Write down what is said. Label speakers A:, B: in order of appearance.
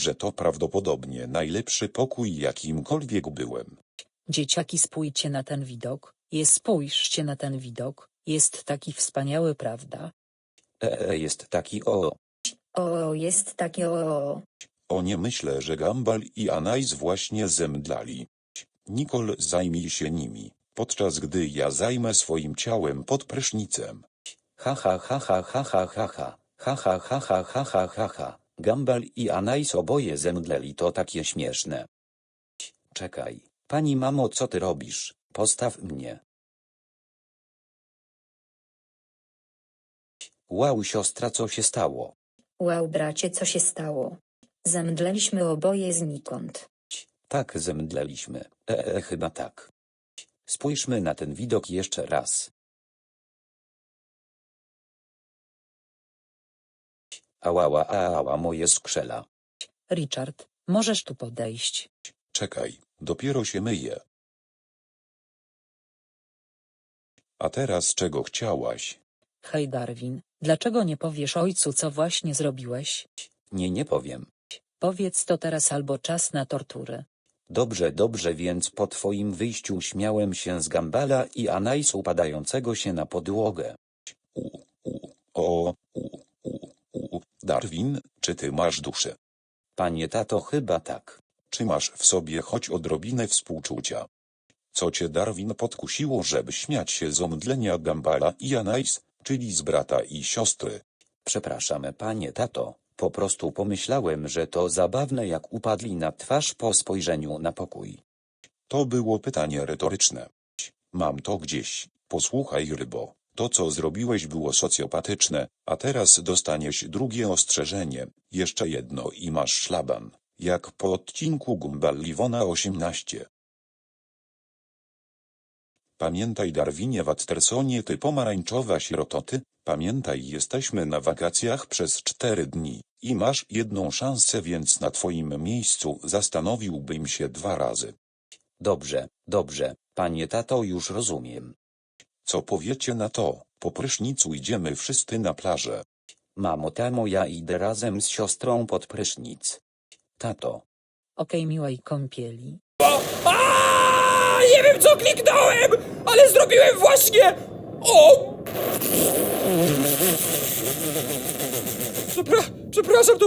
A: że to prawdopodobnie najlepszy pokój, jakimkolwiek byłem.
B: Dzieciaki, spójrzcie na ten widok. Spójrzcie na ten widok. Jest taki wspaniały, prawda?
A: Jest taki o.
C: O, jest takie o.
A: O nie, myślę, że Gumball i Anais właśnie zemdlali. Nicole, zajmij się nimi, podczas gdy ja zajmę swoim ciałem pod prysznicem.
D: Ha ha ha ha ha ha ha ha. Ha ha ha ha ha ha ha ha. Gumball i Anais oboje zemdleli, to takie śmieszne. Czekaj, pani mamo, co ty robisz? Postaw mnie. Wow, siostra, co się stało?
C: Wow, bracie, co się stało? Zemdleliśmy oboje znikąd.
D: Tak, zemdleliśmy. Chyba tak. Spójrzmy na ten widok jeszcze raz. Ała, moje skrzela.
B: Richard, możesz tu podejść.
A: Czekaj, dopiero się myję. A teraz czego chciałaś?
B: Hej Darwin, dlaczego nie powiesz ojcu, co właśnie zrobiłeś?
D: Nie powiem.
B: Powiedz to teraz albo czas na tortury.
D: Dobrze, więc po twoim wyjściu śmiałem się z Gumballa i Anais upadającego się na podłogę.
A: Darwin, czy ty masz duszę?
D: Panie tato, chyba tak.
A: Czy masz w sobie choć odrobinę współczucia? Co cię, Darwin, podkusiło, żeby śmiać się z omdlenia Gumballa i Anais, czyli z brata i siostry?
D: Przepraszam, panie tato, po prostu pomyślałem, że to zabawne, jak upadli na twarz po spojrzeniu na pokój.
A: To było pytanie retoryczne. Mam to gdzieś. Posłuchaj, rybo, to co zrobiłeś było socjopatyczne, a teraz dostaniesz drugie ostrzeżenie, jeszcze jedno i masz szlaban, jak po odcinku Gumball Iwona 18. Pamiętaj, Darwinie Wattersonie, ty pomarańczowa sierototy, pamiętaj, jesteśmy na wakacjach przez 4 dni i masz jedną szansę, więc na twoim miejscu zastanowiłbym się 2 razy.
D: Dobrze, panie tato, już rozumiem.
A: Co powiecie na to? Po prysznicu idziemy wszyscy na plażę.
D: Mamo, tamo, ja idę razem z siostrą pod prysznic. Tato.
B: Okej, miłej kąpieli.
E: Nie wiem, co kliknąłem, ale zrobiłem właśnie... O! Przepraszam, to